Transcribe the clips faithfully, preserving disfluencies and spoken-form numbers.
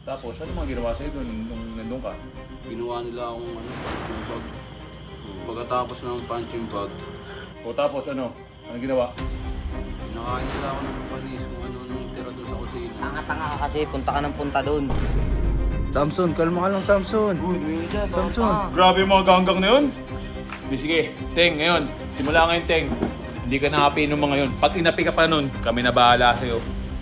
Tapos, ano mga ginawa sa'yo doon nung nandun ka? Ginawa nila akong ano, punching bag. Pagkatapos ng punching bag, O tapos, ano? Ano ginawa? pinakain nila ako ng panis kung ano nung tira doon sa kusina. Tanga-tanga ka kasi, punta ka ng punta doon. Samson, kalma ka lang, Samson. Good, may dyan, Samson. Grabe yung mga ganggang na yun. Di sige, Teng, ngayon. Simula ngayon, Teng. Hindi ka nakapinom mga yun. Pag inapi ka pa nun, kami na bahala sa'yo.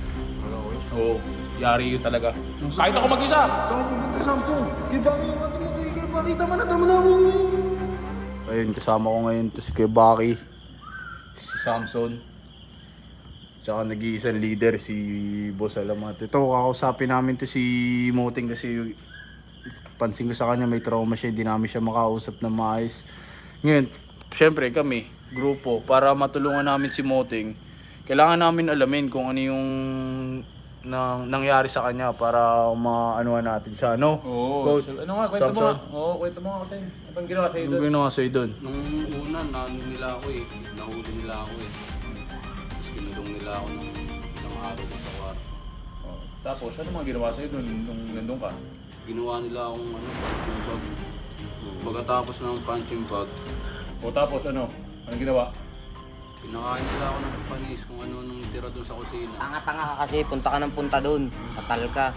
Oo, yari yun talaga. Kahit ako mag-isa. Saan ka pupunta, Samson? Kaya bakit yung ating mga kaya bakit tama na, tama na ako. Ayun, kasama ko ngayon to si Kuya Baki, si Samson, tsaka nag-iisang leader si Boss Alamat. Ito, kakausapin namin to si Moting kasi pansin ko sa kanya may trauma siya, hindi namin siya makausap na maayos. Ngayon, syempre kami, grupo, para matulungan namin si Moting, kailangan namin alamin kung ano yung nang, nangyari sa kanya para maanuhan natin siya, no? Oo. Coach, So, ano nga, kwento mo nga. Samson. Oo, kwento mo nga, Teng. Ano bang ginawa sa'yo Ano doon? ginawa sa'yo doon? Nung una, nano nila ako eh. Nahuli nila ako eh. Tapos kinulong nila ako ng ilang araw ko sa kwarto. Oh, tapos, ano mga ginawa sa'yo doon nung nandun ka? Ginawa nila akong ano, punching bag. Pagkatapos ng punching bag, O tapos, ano? Ano ginawa? pinakain nila ako ng panis kung ano nung tira doon sa kusina. Tanga-tanga ka kasi, punta ka ng punta doon. Patal ka.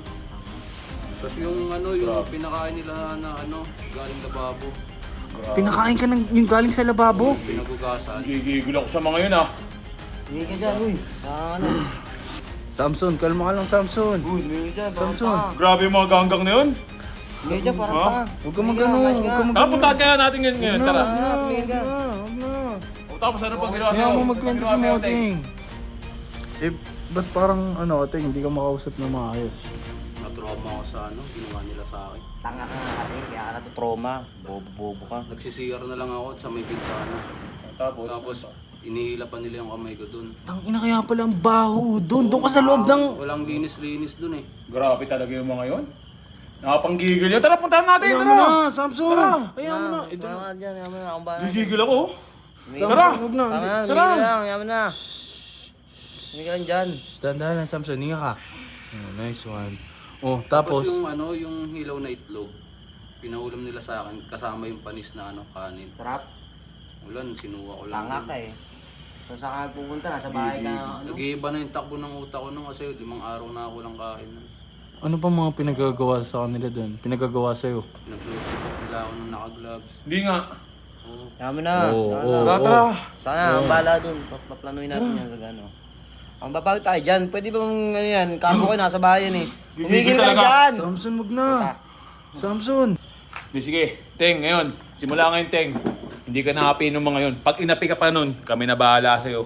Tapos yung ano, yung Grabe. pinakain nila na ano, galing lababo. Pinakain ka ng yung galing sa lababo? Pinagugasan. Gigigil ako sa mga yun, ah. Hindi ka dyan, uy. Tanga ano. Samson, kalma ka lang, Samson. Good, may dyan, Samson. Grabe yung mga ganggang na yun. Hindi dyan, parang Ha? tanga. Huwag ka magano, huwag ka magano. Tara, puntahan kaya natin ngayon ngayon. Tara. Huwag na, tumingin ka. Huwag na. O tapos, ano pang ginawa Kaya sa'yo? mo Ano magkwento ginawa si sa'yo, Teng? Moting. Eh, ba't parang ano, Teng, hindi ka makausap na maayos? Na-trauma ako sa ano, ginawa nila sa akin. Tanga ka nga kasi, kaya ka natutroma. Bobo-bobo ka. Nagsisiyar na lang ako sa may bintana. Tapos, Tapos, inihila pa nila yung kamay ko dun. Tang ina kaya pala ang baho doon. Doon ka sa loob ng... Walang linis-linis dun eh. grabe talaga yung mga yun. Nakapanggigil yun. Tara, puntahan natin. Ayaw mo Tara. na, Samson. Ayaw mo na. Ito Ito na. na. Dyan, yaman na, akong bahala. Gigigil ako. Samson, Tara. huwag na. Tanga na, Tara. tumingin ka lang, yaman na. Hindi ka lang dyan. Dandahan lang, Samson. Hinga ka. Oh, nice one. Oh, Tapos, tapos... yung ano, yung hilaw na itlog, pinaulam nila sa akin kasama yung panis na ano, kanin. Sarap. Ulan, sinuha ko lang. Tanga dun. ka eh. Kung saan ka pupunta, nasa bahay ka. Ano? Nag-iiba na yung takbo ng utak ko nung kasi limang araw na ako lang kain. nun. Ano pa mga pinagagawa sa kanila doon? Pinagagawa sa'yo? Nagsusukat nila ako nung naka-gloves. Hindi nga. Oo. Yaman na. Oo, Tanga oo. na. Tara, tara. Sana, ang bala dun. Pa- Paplanuin natin yan sa gano. Ang babago tayo dyan. Pwede ba mong ano yan? Cargo ko nasa bahay yan eh. Gigigil Umigil ka na talaga. dyan. Samson, wag na. Samson. Di sige, Teng, ngayon. Simula ngayon, Teng. Hindi ka nakapinom mga yun. Pag inapi ka pa nun, kami na bahala sa'yo.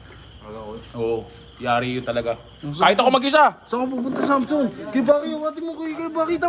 Oo, yari yun talaga. Kahit ako mag-isa. Saan ka pupunta, Samson? Kaya bakit yung ating mga kaya bakit